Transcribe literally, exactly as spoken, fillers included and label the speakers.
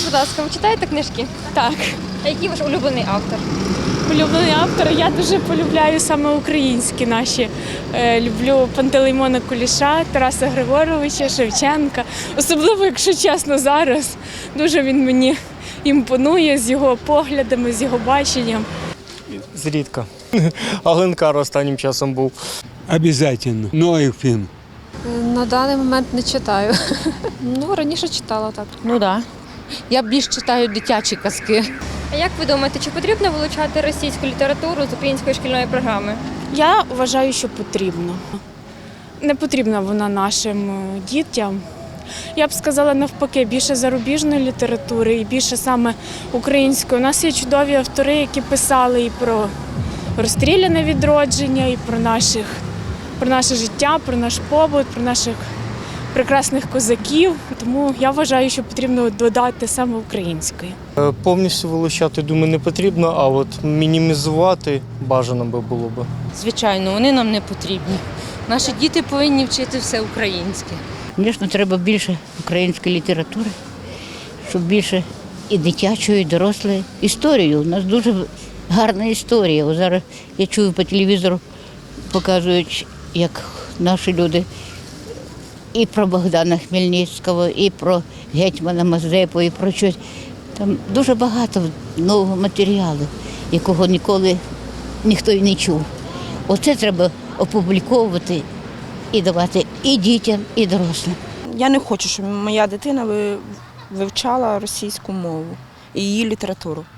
Speaker 1: будь ласка, ви читаєте книжки?
Speaker 2: Так,
Speaker 1: А який ваш улюблений автор?
Speaker 2: улюблений автор. Я дуже полюбляю саме українські наші. Е, люблю Пантелеймона Куліша, Тараса Григоровича, Шевченка. Особливо, якщо чесно, зараз дуже він мені імпонує з його поглядами, з його баченням.
Speaker 3: Зрідка. Аленкар останнім часом був.
Speaker 4: Обязательно. Ноев фильм.
Speaker 5: На даний момент не читаю. Ну, раніше читала так.
Speaker 6: Ну так. Да. Я більш читаю дитячі казки.
Speaker 1: А як ви думаєте, чи потрібно вилучати російську літературу з української шкільної програми?
Speaker 2: Я вважаю, що потрібно. Не потрібна вона нашим е, дітям. Я б сказала навпаки, більше зарубіжної літератури і більше саме української. У нас є чудові автори, які писали і про розстріляне відродження, і про, наших, про наше життя, про наш побут, про наших прекрасних козаків. Тому я вважаю, що потрібно додати саме української.
Speaker 3: Е, Повністю вилучати, думаю, не потрібно, а от мінімізувати бажано би було б.
Speaker 6: Звичайно, вони нам не потрібні. Наші діти повинні вчити все українське.
Speaker 7: Звісно, треба більше української літератури, щоб більше і дитячої, і дорослої. Історію. У нас дуже гарна історія. О, зараз я чую по телевізору, показують, як наші люди і про Богдана Хмельницького, і про гетьмана Мазепу, і про щось. Там дуже багато нового матеріалу, якого ніколи ніхто й не чув. Оце треба опубліковувати і давати і дітям, і дорослим.
Speaker 8: Я не хочу, щоб моя дитина ви- вивчала російську мову і її літературу.